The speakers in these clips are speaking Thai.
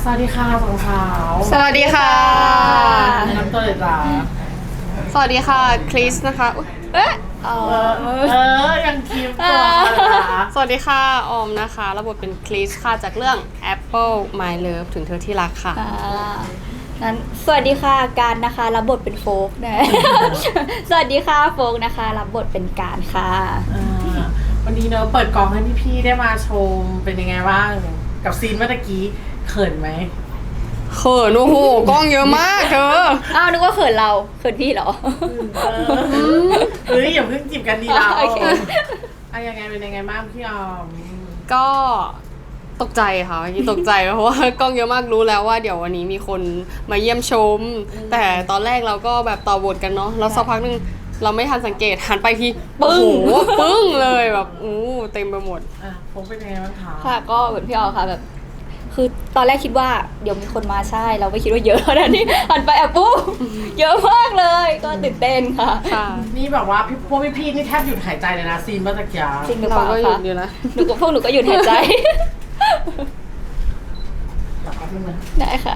วัสดีค่ะสองสาวสวัสดีค่ะน้ำตัวเลยจ้าสวัสดีค่ะคริสนะคะอุ๊ยยังคีมตัวนะคะสวัสดีค่ะออมนะคะรับบทเป็นคริสค่ะจากเรื่อง Apple My Love ถึงเธอที่รักค่ะงั้นสวัสดีค่ะการนะคะรับบทเป็นโฟกนะ สวัสดีค่ะโฟกนะคะรับบทเป็นการค่ะวันนี้เนอะเปิดกองให้พี่ๆได้มาชมเป็นยังไงบ้างกับซีนเมื่อตะกี้เขินไหมเขินโอ้โหกล้องเยอะมากเธออ้าวนึกว่าเขินเราเขินพี่เหรอเฮ้ยอย่าเพิ่งจีบกันดีเราโอเคยังไงเป็นยังไงบ้างพี่ออมก็ตกใจค่ะเมื่อกี้ตกใจเพราะว่ากล้องเยอะมากรู้แล้วว่าเดี๋ยววันนี้มีคนมาเยี่ยมชม แต่ตอนแรกเราก็แบบต่อบทกันเนาะแล้วสักพักนึงเราไม่ทันสังเกตหันไปทีปึ้งปึ้งเลยแบบเต็มไปหมดโฟกเป็นยังไงบ้างคะค่ะก็เหมือนพี่ออค่ะแบบ คือตอนแรกคิดว่าเดี๋ยวมีคนมาใช่เราไม่คิดว่าเยอะขนาดนี้หันไปปุ๊บเยอะมากเลยก็ตื่นเต้นค่ะค่ะนี่แบบว่าพวกพี่ๆนี่แทบหยุดหายใจเลยนะซีนเมื่อตะกี้จริงหรือเปเราล่าก็หยุคะดอยู่นะพวกหนูก็หยุดหายใจแบบแป๊บนึงนะได้ค่ะ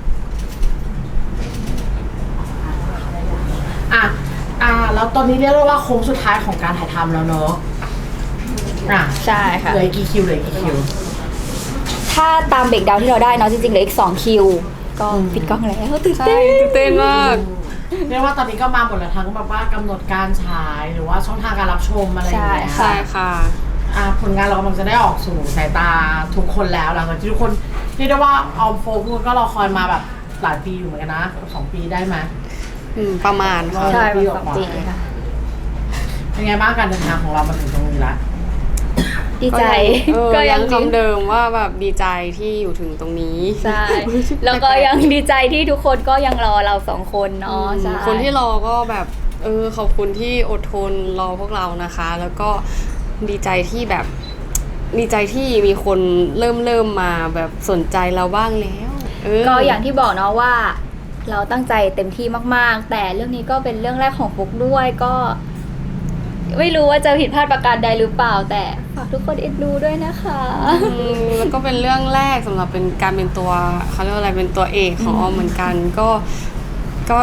แล้วตอนนี้เรียกได้ว่าโค้งสุดท้ายของการถ่ายทำแล้วเนอะใช่ค่ะเหลือกี่คิวเหลือกี่คิวถ้าตามเบรกดาวน์ที่เราได้เนาะจริงๆเหลืออีก2คิวก็ปิดกล้องแล้วตื่นใช่เต้นตื่นเต้นมากเรียกว่าตอนนี้ก็มาหมดแล้วทั้งแบบว่ากำหนดการฉายหรือว่าช่องทางการรับชมอะไรอย่างเงี้ยใช่ค่ะผลงานเรากำลังจะได้ออกสู่สายตาทุกคนแล้วหลังจากที่ทุกคนเรียกได้ว่าออมโฟกุนก็รอคอยมาแบบหลายปีอยู่เหมือนกันนะ2 ปีได้ไหมประมาณค่ะใช่เป็น2 ปีค่ะเป็นไงบ้างการเดินทางของเรามาถึงตรงนี้ละดีใจก็ยังดีคำเดิมว่าแบบดีใจที่อยู่ถึงตรงนี้ใช่ แล้วก็ยังดีใจที่ทุกคนก็ยังรอเรา2 คนเนาะใช่คนที่รอก็แบบขอบคุณที่อดทนรอพวกเรานะคะ แล้วก็ดีใจที่แบบดีใจที่มีคนเริ่มมาแบบสนใจเราบ้างแล้วก็อย่างที่บอกเนาะว่า เราตั้งใจเต็มที่มากๆ แต่เรื่องนี้ก็เป็นเรื่องแรกของฟุกด้วยก็ ไม่รู้ว่าจะผิดพลาดประการใดหรือเปล่า แต่ฝากทุกคนเอ็นดูด้วยนะคะแล้วก็เป็นเรื่องแรกสำหรับเป็นการเป็นตัวเขาเรียกว่าอะไรเป็นตัวเอกของออมเหมือนกันก็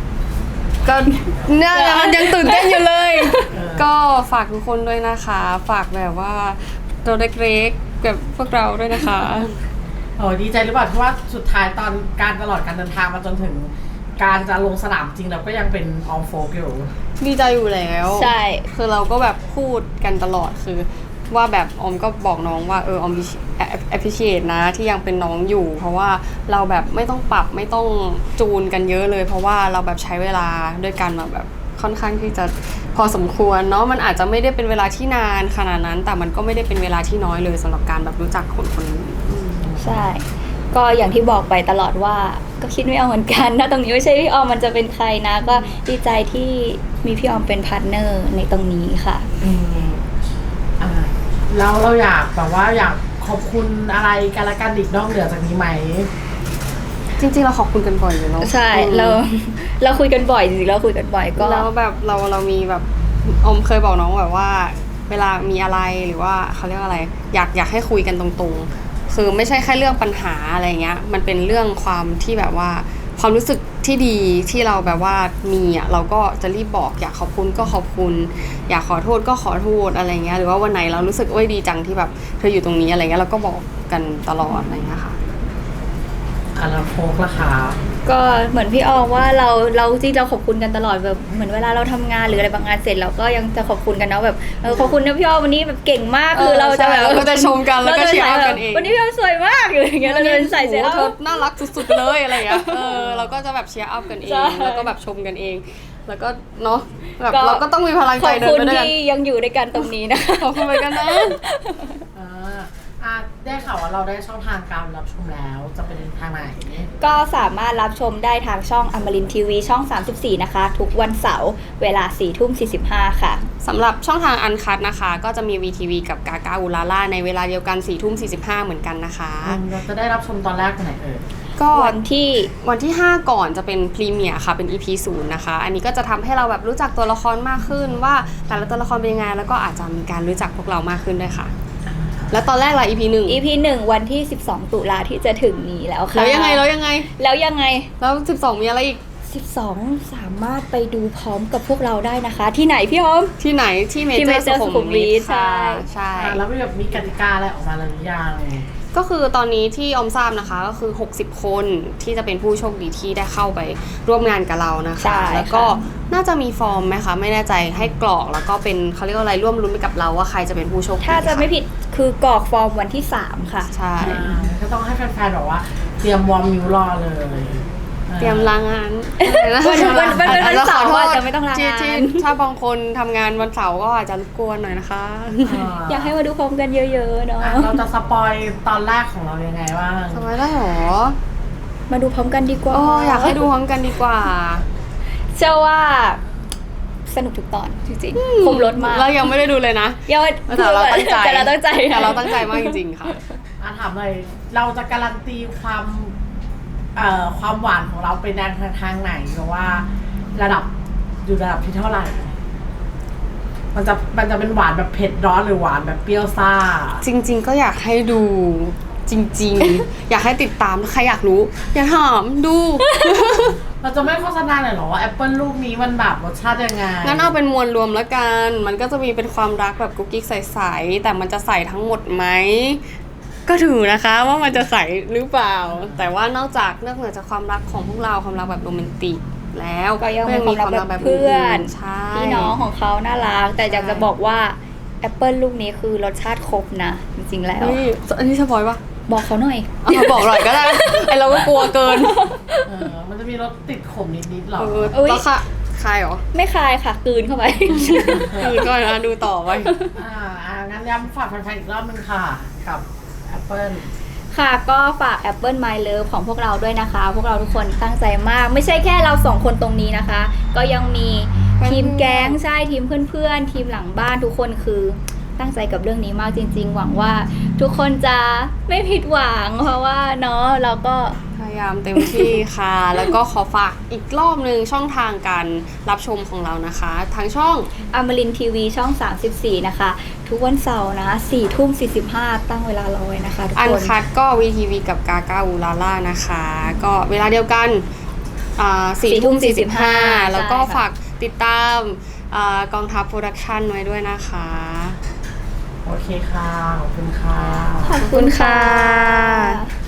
เนี่ยยังตื่นเต้นอยู่เลย ก็ฝากทุกคนด้วยนะคะ ฝากแบบว่าตัวเล็กๆแบบพวกเราด้วยนะคะดีใจหรือเปล่าที่ว่าสุดท้ายตอนการตลอดการเดินทางมาจนถึง การจะลงสนามจริงเราก็ยังเป็นออมโฟกอยู่ดีใจอยู่แล้วใช่คือเราก็แบบพูดกันตลอดคือว่าแบบออมก็บอกน้องว่าออมappreciate นะที่ยังเป็นน้องอยู่ เพราะว่าเราแบบไม่ต้องปรับไม่ต้องจูนกันเยอะเลย เพราะว่าเราแบบใช้เวลาด้วยกันมาแบบค่อนข้างที่จะพอสมควรเนาะมันอาจจะไม่ได้เป็นเวลาที่นานขนาดนั้น แต่มันก็ไม่ได้เป็นเวลาที่น้อยเลยสำหรับการแบบรู้จักคนคนนี้ใช่ ก็อย่างที่บอกไปตลอดว่าก็คิดไม่เอาเหมือนกันถ้าตรงนี้ไม่ใช่พี่ออมมันจะเป็นใครนะ ก็ดีใจที่มีพี่ออมเป็นพาร์ทเนอร์ในตรงนี้ค่ะแล้วเราอยากแบบว่าอยากขอบคุณอะไรกันละกันอีกนอกเหนือจากนี้ไหมจริงๆเราขอบคุณกันบ่อยอยู่เนาะใช่เราคุยกันบ่อยจริงๆเราคุยกันบ่อยก็แล้วแบบเรามีแบบอมเคยบอกน้องแบบว่า เวลามีอะไรหรือว่าเขาเรียกว่าอะไรอยากให้คุยกันตรงๆคือไม่ใช่แค่เรื่องปัญหาอะไรเงี้ยมันเป็นเรื่องความที่แบบว่าความรู้สึกที่ดีที่เราแบบว่ามีอ่ะเราก็จะรีบบอกอยากขอบคุณก็ขอบคุณอยากขอโทษก็ขอโทษอะไรเงี้ยหรือว่าวันไหนเรารู้สึกดีจังที่แบบเธออยู่ตรงนี้อะไรเงี้ยเราก็บอกกันตลอดอะไรเงี้ยค่ะแล้วโฟกล่ะคะก็เหมือนพี่ออมว่าเราจริงเราขอบคุณกันตลอดแบบเหมือนเวลาเราทำงานหรืออะไรบางงานเสร็จเราก็ยังจะขอบคุณกันเนาะแบบขอบคุณนะพี่ออมวันนี้แบบเก่งมากคือเราจะแบบเราก็จะชมกันแล้วก็เชียร์กันเองวันนี้พี่ออมสวยมากอยู่อย่างเงี้ยเราจะใส่เสื้อเธอน่ารักสุดๆเลยอะไรอย่างเงี้ยเราก็จะแบบเชียร์อัพกันเองใช่แล้วก็แบบชมกันเอง แล้วก็เนาะแบบเราก็ต้องมีพลังใจเดินไปด้วยกันขอบคุณที่ยังอยู่ด้วยกันตรงนี้นะขอบคุณไปกันนะได้ข่าวว่าเราได้ช่องทางการรับชมแล้วจะเป็นทางไหนก็สามารถรับชมได้ทางช่องอมรินทีวีช่อง 34 นะคะ ทุกวันเสาร์เวลา 4:45 ค่ะสำหรับช่องทางอันคัดนะคะ ก็จะมี VTV กับกากาอูลาล่าในเวลาเดียวกัน 4:45 เหมือนกันนะคะเราจะได้รับชมตอนแรกวันไหนก็วันที่ 5 ก่อนจะเป็นพรีเมียร์ค่ะเป็น EP 0นะคะ อันนี้ก็จะทำให้เราแบบรู้จักตัวละครมากขึ้นว่าแต่ละตัวละครเป็นยังไงแล้วก็อาจจะมีการรู้จักพวกเรามากขึ้นด้วยค่ะแล้วตอนแรกล่ะ EP 1 EP 1 วันที่ 12 ตุลาที่จะถึงนี้แล้วค่ะแล้วยังไงแล้วยังไงแล้ว12มีอะไรอีก 12 สามารถไปดูพร้อมกับพวกเราได้นะคะ ที่ไหนพี่ออมที่ไหนที่เมที่เจอ Major ร์สุขุมวิทใช่ใช่แล้วมีกติกาอะไรออกมาแล้วหรือยังก็คือตอนนี้ที่ออมทราบนะคะก็คือ60 คนที่จะเป็นผู้โชคดีที่ได้เข้าไปร่วมงานกับเรานะใช่คะค่ะแล้วก็น่าจะมีฟอร์มไหมคะไม่แน่ใจให้กรอกแล้วก็เป็นเขาเรียกว่าอะไรร่วมลุ้นไปกับเราว่าใครจะเป็นผู้โชคดีถ้าจะไม่ผิดคือกรอกฟอร์มวันที่ 3 ค่ะใช่ก็ต้องให้แฟนๆบอกว่าเตรียมวอร์มนิ้วรอเลยเตรียมลางานวันวันเสาร์ขอโทษอาจจะไม่ต้องลางานที่ถ้าบางคนทำงานวันเสาร์ก็อาจจะรบกวนหน่อยนะคะอยากให้มาดูพร้อมกันเยอะๆเนาะเราจะสปอยตอนแรกของเรายังไงบ้างทำไมได้หรอมาดูพร้อมกันดีกว่าโอ้อยากให้ดูพร้อมกันดีกว่าเชื่อว่าสนุกทุกตอนจริงๆคมรถมากเรายังไม่ได้ดูเลยนะยังแต่เราตั้งใจแต่เราตั้งใจแต่เราตั้งใจมากจริงๆค่ะถามเลยเราจะการันตีความหวานของเราไปในทางไหนเพราะว่าระดับที่เท่าไหร่ มันจะเป็นหวานแบบเผ็ดร้อนหรือหวานแบบเปรี้ยวซ่าจริงๆก็อยากให้ดูจริงๆ อยากให้ติดตามใครอยากรู้อย่าถามดูเราจะไม่โฆษณาเลยเหรอว่าแอปเปิลลูกนี้มันแบบรสชาติยังไงงั้นเอาเป็นมวลรวมแล้วกัน มันก็จะมีเป็นความรักแบบกุ๊กกิ๊กใสๆแต่มันจะใสทั้งหมดไหมก็ถือนะคะว่ามันจะใสหรือเปล่า แต่ว่านอกเหนือจากความรักของพวกเราความรักแบบโรแมนติกแล้วก็ยังมีความรักแบบเพื่อนใช่พี่น้องของเขาน่ารัก แต่อยากจะบอกว่าแอปเปิลลูกนี้คือรสชาติครบนะ จริงๆแล้วนี่อันนี้สปอยปะบอกเขาหน่อยเอาบอกหน่อยก็ได้ ไอเราก็กลัวเกินมันจะมีรสติดขมนิดๆหรออุ๊ยแล้วค่ะคายเหรอไม่คายค่ะกลืนเข้าไปคือก็นะดูต่อไปงั้นย้ำฝากแฟนๆอีกรอบนึงค่ะ กับแอปเปิลค่ะก็ฝาก Apple My Love ของพวกเราด้วยนะคะ พวกเราทุกคนตั้งใจมาก ไม่ใช่แค่เราสองคนตรงนี้นะคะ ก็ยังมีทีมแก๊งใช่ทีมเพื่อนๆ ทีมหลังบ้านทุกคนคือตั้งใจกับเรื่องนี้มากจริงๆ หวังว่าทุกคนจะไม่ผิดหวัง เพราะว่าเนาะเราก็พยายามเต็มที่ค่ะ แล้วก็ขอฝากอีกรอบนึงช่องทางการรับชมของเรานะคะทางช่องอมรินทีวีช่อง 34 นะคะ ทุกวันเสาร์นะ 4:45 ตั้งเวลารอไว้นะคะทุกอันคนคัดก็ VTV กับกากาอูลาล่านะคะ ก็เวลาเดียวกัน4:45 แล้วก็ฝากติดตามกองทัพโปรดักชันไว้ด้วยนะคะโอเคค่ะ ขอบคุณค่ะขอบคุณค่ะ